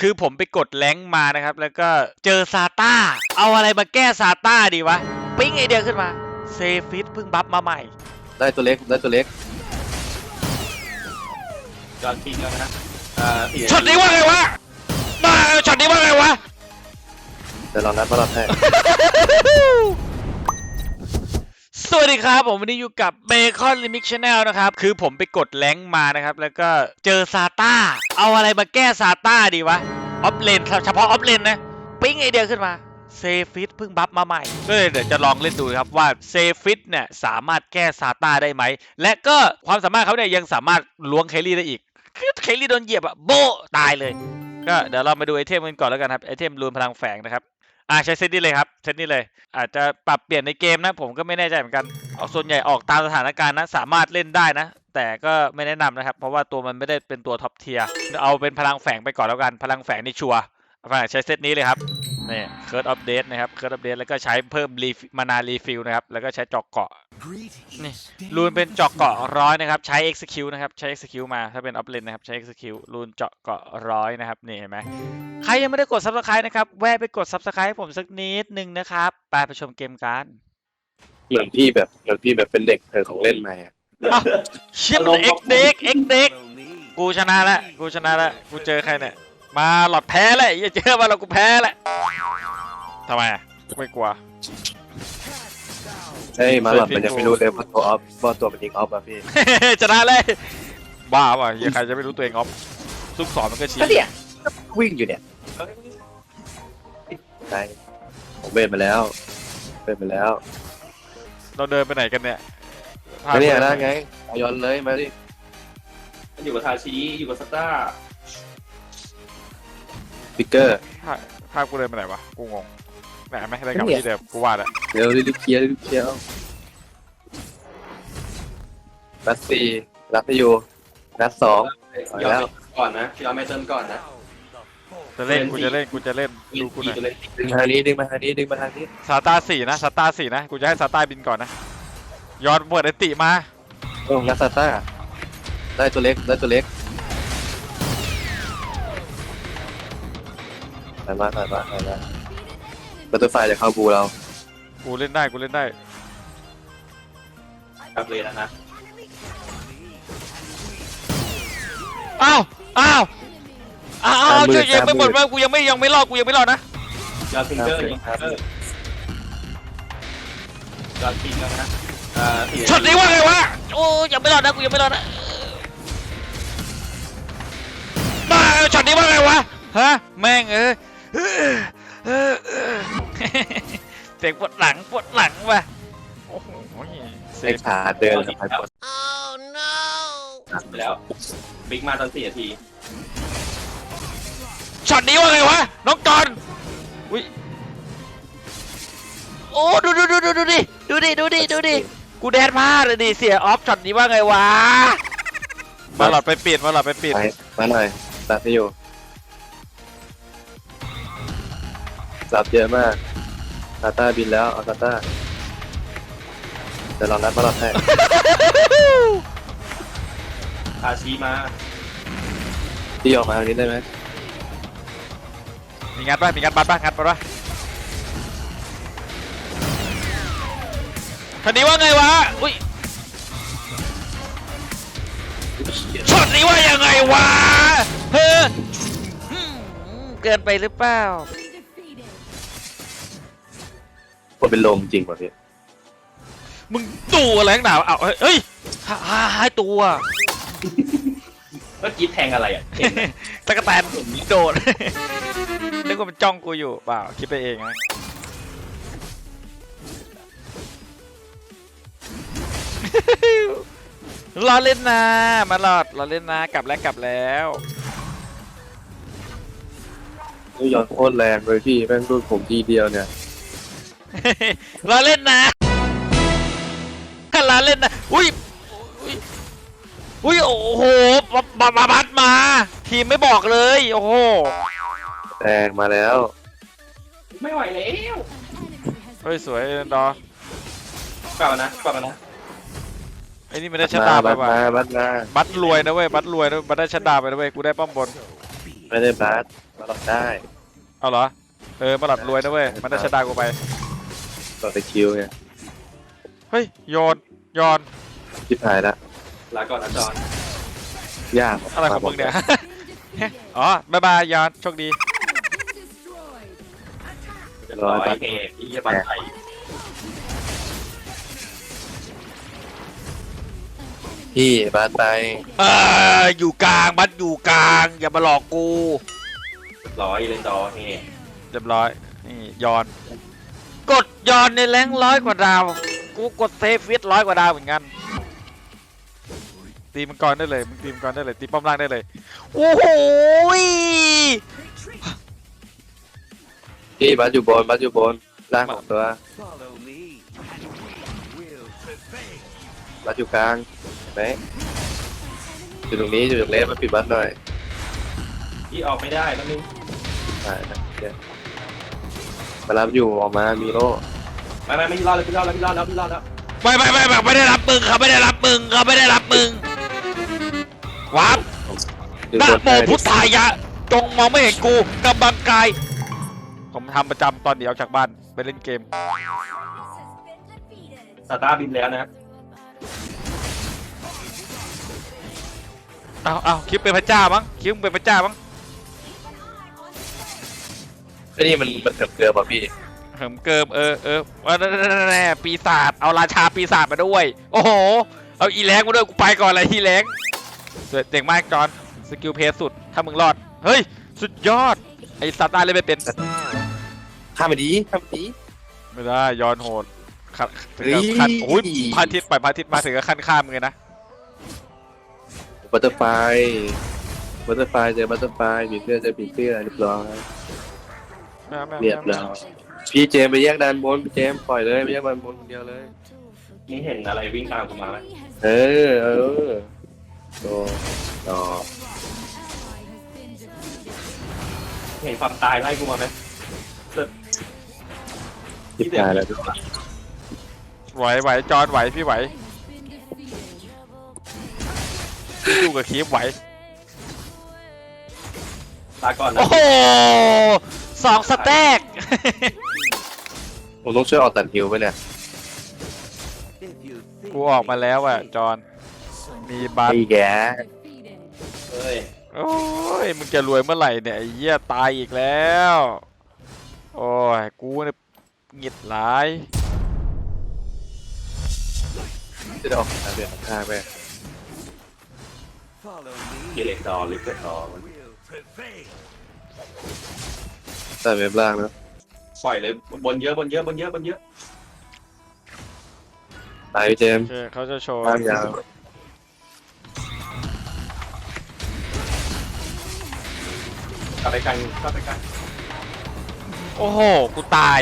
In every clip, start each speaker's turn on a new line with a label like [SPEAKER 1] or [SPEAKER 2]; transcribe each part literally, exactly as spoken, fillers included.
[SPEAKER 1] คือผมไปกดแรงค์มานะครับแล้วก็เจอซาต้าเอาอะไรมาแก้ซาต้าดีวะปิ้งไอเดียขึ้นมาเซฟิตเพิ่งบัฟมาใหม่
[SPEAKER 2] ได้ตัวเล็กได้ตัวเล็ก
[SPEAKER 3] จอนปิงแล้วนะ
[SPEAKER 1] ช็อตนี้ว่าไงวะมาช็อตนี้ว่าไงวะ
[SPEAKER 2] เดี๋ยวลองนัดมาลองให้
[SPEAKER 1] สวัสดีครับผมวันนี้อยู่กับเบคอนลิมิกชาแนลนะครับคือผมไปกดแรงค์มานะครับแล้วก็เจอซาต้าเอาอะไรมาแก้ซาต้าดีวะออฟเลนเฉพาะออฟเลนนะปิ้งไอเดียขึ้นมาเซฟิตเพิ่งบัฟมาใหม่ก็เลยเดี๋ยวจะลองเล่นดูครับว่าเซฟิตเนี่ยสามารถแก้ซาต้าได้ไหมและก็ความสามารถเขาเนี่ยยังสามารถล้วงเคลลี่ได้อีกคือเคลลี่โดนเหยียบอะโบตายเลยก็เดี๋ยวเรามาดูไอเทมกันก่อนแล้วกันครับไอเทมรูนพลังแฝงนะครับอ่าใช้เซตนี้เลยครับเซตนี้เลยอาจจะปรับเปลี่ยนในเกมนะผมก็ไม่แน่ใจเหมือนกันเอาส่วนใหญ่ออกตามสถานการณ์นะสามารถเล่นได้นะแต่ก็ไม่แนะนำนะครับเพราะว่าตัวมันไม่ได้เป็นตัวท็อปเทียร์เอาเป็นพลังแฝงไปก่อนแล้วกันพลังแฝงนี่ชัวร์ใช้เซตนี้เลยครับนี่เคิร์ดอัปเดตนะครับเคิร์ดอัปเดตแล้วก็ใช้เพิ่มรีมานารีฟิลนะครับแล้วก็ใช้จอกเกาะนี่รูนเป็นเจาะเกาะร้อยนะครับใช้ execute นะครับใช้ execute มาถ้าเป็นออฟเลนนะครับใช้ execute รูนเจาะเกาะร้อยนะครับนี่เห็นไหมใครยังไม่ได้กด subscribe นะครับแวะไปกด subscribe ให้ผมสักนิดนึงนะครับไปไปชมเกมกัน
[SPEAKER 2] เหมือนพี่แบบเหมือนพี่แบบเป็นเด็กเธอของเล่นมาอ่ะ
[SPEAKER 1] ชิปเอ็กเด็กเอ็กเด็กกูชนะแล้วกูชนะแล้วกูเจอใครเนี่ยมาหลอดแพ้เลยอย่าเจอมาหลอดกูแพ้แหละทำไมอ่ะไม่กลัว
[SPEAKER 2] เฮ้ยมาหลอดมันยังไม่รู้เลยว่าตัวออฟว่าตัวมันยิงออฟอ่ะพี่
[SPEAKER 1] ชนะเลยบ้าป่ะยังใครจะไม่รู้ตัวเองออฟซุกสอนมันก็ชี้
[SPEAKER 2] เนี่ยวิ่งอยู่เนี่ยใช่ผมเบนมาแล้วเบนมาแล้ว
[SPEAKER 1] เราเดินไปไหนกันเนี่ย
[SPEAKER 2] ไม่เนี่ยนะไงย้อนเลยมาดิ
[SPEAKER 3] อยู่กับทาชิอยู่กับสตาร์
[SPEAKER 2] ฟิกเกอร์
[SPEAKER 1] ภาพกูเดินไปไหนวะกูงงแหมไม่ได้กลับที่เดิมกูว่าแหละ
[SPEAKER 2] เร็วรีบเคลียร์รีบเคลียร์นัดสี่นัดอยู่นัดสอง
[SPEAKER 3] ยอมก่อนนะยอมไม่เติมก่อนนะ
[SPEAKER 1] จะเล่นกูจะเล่นกูจะเล่นดูกูหน่อย
[SPEAKER 2] ดึงมาทางนี้ดึงมาทางนี้ดึงมาทางนี้
[SPEAKER 1] ซาตาสี่นะซาตาสี่นะกูจะให้ซาตาบินก่อนนะย้อนเปิดไอติมา
[SPEAKER 2] โอ้นัดซาตาได้ตัวเล็กได้ตัวเล็กไปมาไปมาไปมาบัตเตอร์ไฟจะเข้าบูเรา
[SPEAKER 1] กูเล่นได้กูเล่นได้
[SPEAKER 3] ครับเลยนะฮะ
[SPEAKER 1] อ้าวอ้าวอ้าวช่วยยังไม่หมดเลยกูยังไม่ยังไม่รอดกูยังไม่รอดนะ
[SPEAKER 3] จอนปิงเกอร์ยิงเกอร์จอนปิงแล้วนะ
[SPEAKER 1] ช็อตนี้ว่าไงวะโอ้ยังไม่รอดนะกูยังไม่รอดนะมาช็อตนี้ว่าไงวะฮะแม่งเออเสียงปวดหลังปวดหลังว่ะโอ้โห
[SPEAKER 2] เซ็กขาเดินไปปวด
[SPEAKER 3] โอ้ no ไปแล้วบิ๊กมาตอนสี่นาที
[SPEAKER 1] ช็อตนี้ว่าไงวะน้องจอนอุ้ยโอ้ดูดูดูดูดูดิดูดิดูดิดูดิกูแดนพลาดเลยดิเสียออฟช็อตนี้ว่าไงวะมาหลอดไปปิดมาหลอดไปปิด
[SPEAKER 2] มาหน่อยตัดที่อยู่สับเยอะมากซาต้าบินแล้วเอาซาต้าเดี๋ยวลองนัดมาลองให้
[SPEAKER 3] ทาชิมา
[SPEAKER 2] ที่ออกมาทางนี้ได้ไหม
[SPEAKER 1] มีงัดป่ะมีงัดบัตรป่ะงัดบัตรป่ะช็อตนี้ว่าไงวะอุ้ยช็อตนี้ว่ายังไงวะเฮ้อเกินไปหรือเปล่า
[SPEAKER 2] คนเป็นลมจริงป่ะพี่
[SPEAKER 1] มึงตัวอะไรหนาวเอาเฮ้ยหายหายตัว
[SPEAKER 3] เมื่อกี้แทงอะไรอ่ะ
[SPEAKER 1] ตะกะแตนโดดนึกว่ามันจ้องกูอยู่เปล่าคิดไปเองนะรอเล่นนะมาหลอดรอเล่นนะกลับแล้วกลับแล้ว
[SPEAKER 2] นี่ย้อนโคตรแรงเลยพี่แม่งรุ่นผมทีเดียวเนี่ย
[SPEAKER 1] รอเล่นนะรอเล่นนะอุ้ยอุ้ยโอ้โหมามาบัดมาทีมไม่บอกเลยโอ้โห
[SPEAKER 2] แรงมาแล้ว
[SPEAKER 3] ไม่ไหวแล้ว
[SPEAKER 1] เฮ้ยสวยดอ
[SPEAKER 3] เปล่านะเปล่านะ
[SPEAKER 1] ไอ้นี่มันได้ชะตาไปว่ะ
[SPEAKER 2] บัดมา
[SPEAKER 1] บัดรวยนะเว้ยบัดรวยนะบัดได้ชะตาไปนะเว้ยกูได้ป้อมบน
[SPEAKER 2] ไม่ได้บาสมาหลอดได้
[SPEAKER 1] เอาเหรอเออมาหลัดรวยนะเว้ยมันได้ชะตากูไป
[SPEAKER 2] หลอดตะคิวไง
[SPEAKER 1] เฮ้ยโยนโยน
[SPEAKER 2] ชิบหายละ
[SPEAKER 3] ลาก่อนนะจอน
[SPEAKER 2] ยาก
[SPEAKER 1] อะไรของมึงเนี่ย อ๋อบายบายยอนโชคดี
[SPEAKER 3] จะร้อยเอกที่จะบันไทย
[SPEAKER 2] พี่บาสไป
[SPEAKER 1] เอออยู่กลางบัดอยู่กลางอย่ามาหลอกกู
[SPEAKER 3] ร้อยเลนดอเฮ
[SPEAKER 1] เรียบร้อยนี่ยอน กดยอนในแรงร้อยกว่าดาวกูกดเซฟฟิตร้อยกว่าดาวเหมือนกันตีมังกรได้เลยมึงตีมังกรได้เลยตีป้อมล่างได้เลยโอ้โห
[SPEAKER 2] พี่บาสอยู่บนบาสอยู่บนล่างของตัวบาสอยู่กลางเห็นไหมอยู่ตรงนี้อยู่ตรงเลสมาปิดบาสหน่อย
[SPEAKER 3] ที่ออกไม่ได้แล้วนึง
[SPEAKER 2] ได้นะเดี๋ยวมารับอยู่ออกมามีโล่
[SPEAKER 3] ไม่ไม่ไม่รอดแล้วพี่รอดแล้วพี่รอดแล้วพี่รอดแล้ว
[SPEAKER 1] ไม่ไม่ไม่แบบไม่ได้รับมึงเขาไม่ได้รับมึงเขาไม่ได้รับมึงวับ
[SPEAKER 2] อยู่
[SPEAKER 1] นะ
[SPEAKER 2] บน
[SPEAKER 1] โมพุทธายะจงมองไม่เห็นกูกำบังกายผมทำประจำตอนเดียวจากบ้านไปเล่นเกม
[SPEAKER 3] ซาต้าบินแล้วนะ
[SPEAKER 1] เอาเอาคิดเป็นพระเจ้ามั้งคิดมึงเป็นพระเจ้ามั้ง
[SPEAKER 2] ไอ้นี่มันมันเกือบเกือบป่ะพี่
[SPEAKER 1] เหิมเกิมเออเออว่าแน่ปีศาจเอาราชาปีศาจมาด้วย โอ้โหเอาอีแรงมาด้วยกูไปก่อนเลยอีแรงเจ๋งมากจอนสกิลเพสสุดถ้ามึงรอดเฮ้ยสุดยอดไอ้ซาต้าเลยไม่เป็น
[SPEAKER 2] ข้ามไปดีข้ามไปดี
[SPEAKER 1] ไม่ได้ย้อนโหดขัดถึงกับขั้นโอ้ยพระอาทิตย์ปล่อยพระอาทิตย์มาถึงกับขั้นข้ามเลยนะ
[SPEAKER 2] บัตเตอร์ไฟบัตเตอร์ไฟเจอบัตเตอร์ไฟผีเสื้อเจอผีเสื้อเรียบร้อยเรียบร้อยพี่เจมไปแยกด้านบนพี่เจมปล่อยเลยไปแยกด้านบนคนเดียวเลย
[SPEAKER 3] นี่เห็นอะไรวิ่งตามกูมาไหม
[SPEAKER 2] เออเออโตต่อ
[SPEAKER 3] เห็นความตายไล่กูมาไหม
[SPEAKER 2] ทิพย์ตายแล้วทุกคน
[SPEAKER 1] ไหวไหวจอนไหวพี่ไหวพี่ดูกับคีฟไหว
[SPEAKER 3] ลาก่อนนะ
[SPEAKER 1] โอ้โหสองสแต็ก
[SPEAKER 2] ผมต้องช่วยออกตัดฮิวไปเนี่ย
[SPEAKER 1] กูออกมาแล้วอ่ะจอนมีบัต
[SPEAKER 2] ไอ้แก
[SPEAKER 3] เฮ้ย
[SPEAKER 1] โอ้ยมึงจะรวยเมื่อไหร่เนี่ยไอ้เหี้ยตายอีกแล้วโอ้ยกูเนี่ยหงิดหลาย
[SPEAKER 2] จะได้ออกทางเดือดข้างไป
[SPEAKER 3] เกเลนดอลิเกดอ
[SPEAKER 2] แต่เว็บล่างนะ
[SPEAKER 3] ปล่อยเลยบนเยอะบนเยอะบนเยอะบนเยอะ
[SPEAKER 2] ตายพี่เจม
[SPEAKER 1] โอเคเขาจะโชว์
[SPEAKER 2] ล่างยาว
[SPEAKER 3] กลับไปกันกลับไปกัน
[SPEAKER 1] โอ้โหกูตาย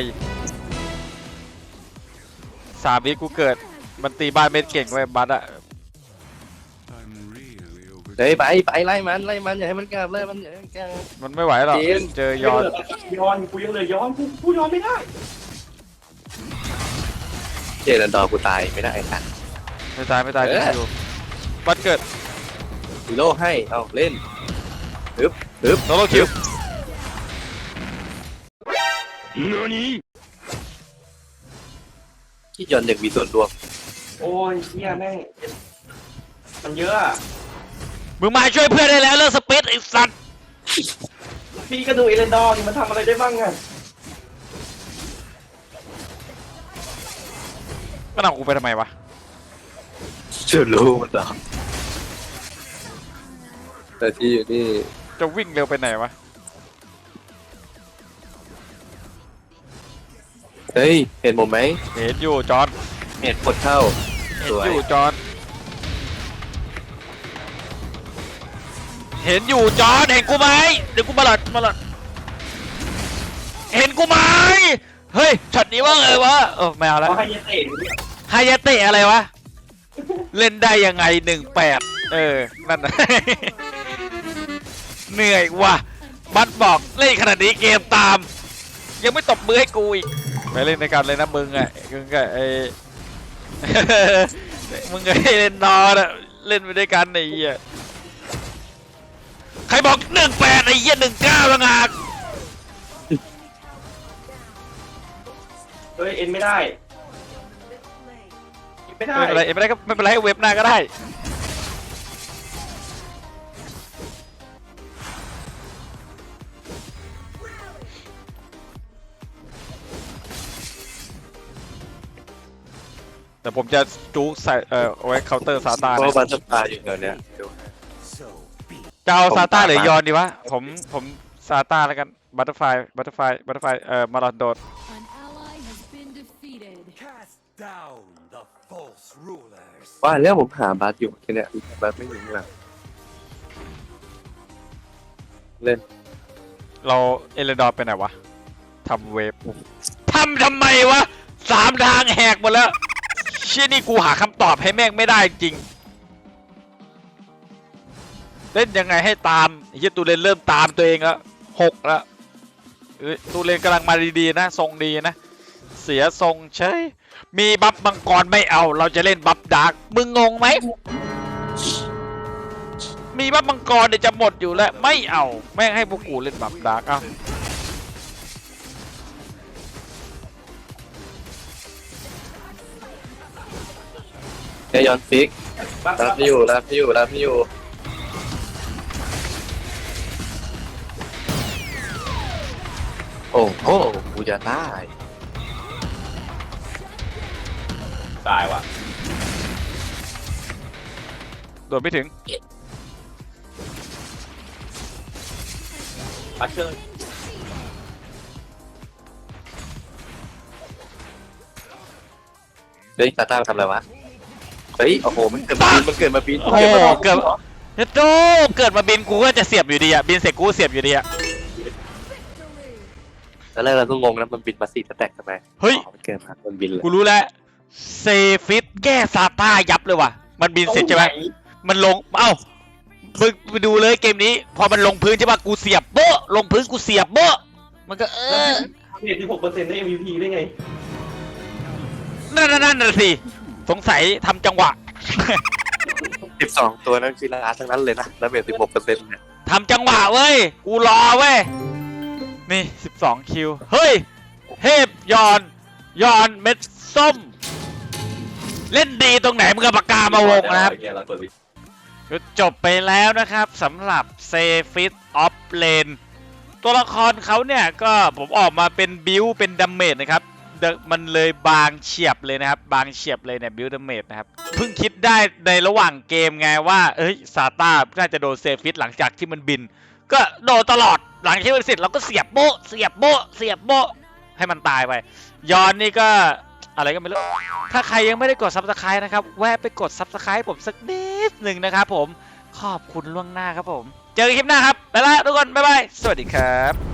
[SPEAKER 1] สามวิกูเกิดมันตีบ้านเม็ดเก่งไว้ยบัตอะ
[SPEAKER 2] เฮ้ยไปไปไล่มันไล่มันอย่าให้มันกลับไล่มันอย่าให้มันกลับ
[SPEAKER 1] มันไม่ไหวหรอก
[SPEAKER 2] จริง
[SPEAKER 1] เจอยอน
[SPEAKER 3] ย้อนกูยังเลยย้อนกูกูย้อนไม่ได้
[SPEAKER 2] เจรันดอร์กูตายไม่ได้ค่ะ
[SPEAKER 1] ไม่ตายไม่ตาย
[SPEAKER 2] เออ
[SPEAKER 1] อยู่บัตเกิด
[SPEAKER 2] ฮีโร่ให้เอาเล่นฮึบฮึบ
[SPEAKER 1] โซโลคิว
[SPEAKER 2] ที่ยอนอยากมีส่วนรวม
[SPEAKER 3] โอ้ยเฮียแม่งมันเยอะอะ
[SPEAKER 1] มึงมาช่วยเพื่อนได้แล้วเลิกสเปซไอ้สัตว์
[SPEAKER 3] พี่ก็ดูเอเลนดอร์นี่มันทำอะไรได้บ้างอะ
[SPEAKER 1] มันเอากูไปทำไมวะ
[SPEAKER 2] เชื่อรู้มันหรอแต่ที่อยู่นี่
[SPEAKER 1] จะวิ่งเร็วไปไหนวะ
[SPEAKER 2] เฮ้ยเห็นผมไหม
[SPEAKER 1] เห็นอยู่จอน
[SPEAKER 2] เห็นกดเข้า
[SPEAKER 1] เห็
[SPEAKER 2] ส
[SPEAKER 1] น
[SPEAKER 2] วย
[SPEAKER 1] อยู่จอนเห็นอยู่จอนเห็นกูไหมเดี๋ยวกูมาหลอดมาหลอดเห็นกูไหมเฮ้ยช็อตนี้ว่าไงวะเออไม่เอาแล้ว
[SPEAKER 3] เขาให้เยเตะอยู่เนี่ย
[SPEAKER 1] ไฮยาเตะอะไรวะ เล่นได้ยังไงหนึ่งแปดเออ นั่นนะ เหนื่อยว่ะ บัตบอกเล่นขนาดนี้เกมตาม ยังไม่ตบมือให้กูอีก ไปเล่นในกันเลยนะมึงอ่ะมึงกับไอ้ มึงกับไอ้เล่นนอนอ่ะ เล่นไปด้วยกันไอ้เหี้ยใครบอกหนึ่งแปดไอ้เหี้ยหนึ่งเก้าละงาก
[SPEAKER 3] เฮ้ยเอ็นไม่ได้ไม่ได้
[SPEAKER 1] ไม่เป็นไรไม่เป็นไรก็ไม่เป็นไรเว็บหน้าก็ได้แต่ผมจะจูใส่เอ่อเอาไว้เคาน์เตอร์ซาตา
[SPEAKER 2] เพราะ
[SPEAKER 1] นะ
[SPEAKER 2] บัตเตอร์ฟลายอยู่แถวเนี้ยเดี๋ยว
[SPEAKER 1] จะเอา
[SPEAKER 2] ผม
[SPEAKER 1] ซาต้า
[SPEAKER 2] ตาม
[SPEAKER 1] หรือ
[SPEAKER 2] มา
[SPEAKER 1] ยอนดีวะผมผมซาต้าแล้วกันบัตเตอร์ไฟบัตเตอร์ไฟบัตเตอร์ไฟเอ่อมาราโดด
[SPEAKER 4] An ally has been defeated.
[SPEAKER 5] Cast down the false rulers.
[SPEAKER 2] ว่าเรื่องผมหาบัตอยู่ที่เนี้ยบัตไม่อยู่ข้างหลังเล่น
[SPEAKER 1] เราเอเลดอร์ไปไหนวะทำเวฟทำทำไมวะสามทางแหกหมดแล้วเชี่ยนี่กูหาคำตอบให้แม่งไม่ได้จริงเล่นยังไงให้ตามไอ้เหี้ยตูเลนเริ่มตามตัวเองแล้วหกแล้วเอ้ยตูเลนกำลังมาดีๆนะทรงดีนะเสียทรงเฉยมีบัฟมังกรไม่เอาเราจะเล่นบัฟดาร์กมึงงงไหมมีบัฟมังกรเดี๋ยวจะหมดอยู่แล้วไม่เอาแม่งให้พวกกูเล่นบัฟดาร์กเอา
[SPEAKER 2] เอยอนฟิกรับไม่อยู่รับไม่อยู่รับไม่อยู่โอ้โหกูจะตาย
[SPEAKER 3] ตายว่ะ
[SPEAKER 1] โดดไม่ถึง
[SPEAKER 3] ปัชเชอร์
[SPEAKER 2] เฮ้ยซาต้าทำอะไรวะเฮ้ยโอ้โหมันเกิดมาปีนมันเกิดมาปีน
[SPEAKER 1] โอ้โหเกิดเฮ้ยโตเกิดมาบินกูก็จะเสียบอยู่ดีอะบินเสร็จกูเสียบอยู่ดีอะ
[SPEAKER 2] แล้วแรกเราก็งงนะมันบินมาสี่สแต็กทำไม
[SPEAKER 1] เฮ้ย
[SPEAKER 2] อ๋อมันเกิดมามันบินเลย
[SPEAKER 1] กูรู้แล้วเซฟิตแก้ซาต้ายับเลยว่ะมันบินเสร็จใช่ไหมมันลงเอ้ามึงไปดูเลยเกมนี้พอมันลงพื้นใช่ปะกูเสียบโบ๊ะลงพื้นกูเสียบโบ๊ะมันก็เออ
[SPEAKER 3] เจ็ดสิบหกเปอร์เซ็นต์ได้ เอ็ม วี พี ได้ไง
[SPEAKER 1] นั่นนั่นนั่นน่ะสิสงสัยทำจังหวะ
[SPEAKER 2] สิบสองตัวนั้นคือลาทั้งนั้นเลยนะแล้วเบสสิบหกเปอร์เซ็นต์เนี่ย
[SPEAKER 1] ทำจังหวะเว้ยกูรอเว้ยนี่สิบสองคิวเฮ้ยเทพยอนยอนเม็ดส้ม เล่นดีตรงไหนมึงกับปากกามาวงนะครับจบไปแล้วนะครับสำหรับเซฟิตออฟเลนตัวละครเขาเนี่ยก็ผมออกมาเป็นบิวเป็นดัมเมจนะครับมันเลยบางเฉียบเลยนะครับบางเฉียบเลยเนี่ยบิวดัมเมจนะครับเพิ่งคิดได้ในระหว่างเกมไงว่าเอ้ยซาต้าน่าจะโดนเซฟิตหลังจากที่มันบินก็โดนตลอดหลังที่มันเสร็จเราก็เสียบโบะเสียบโบะเสียบโบะให้มันตายไปยอนนี่ก็อะไรก็ไม่รู้ถ้าใครยังไม่ได้กด ซับสไครบ์ นะครับแวะไปกด ซับสไครบ์ ผมสักนิดหนึ่งนะครับผมขอบคุณล่วงหน้าครับผมเจอกันคลิปหน้าครับไปละทุกคนบ๊ายบายสวัสดีครับ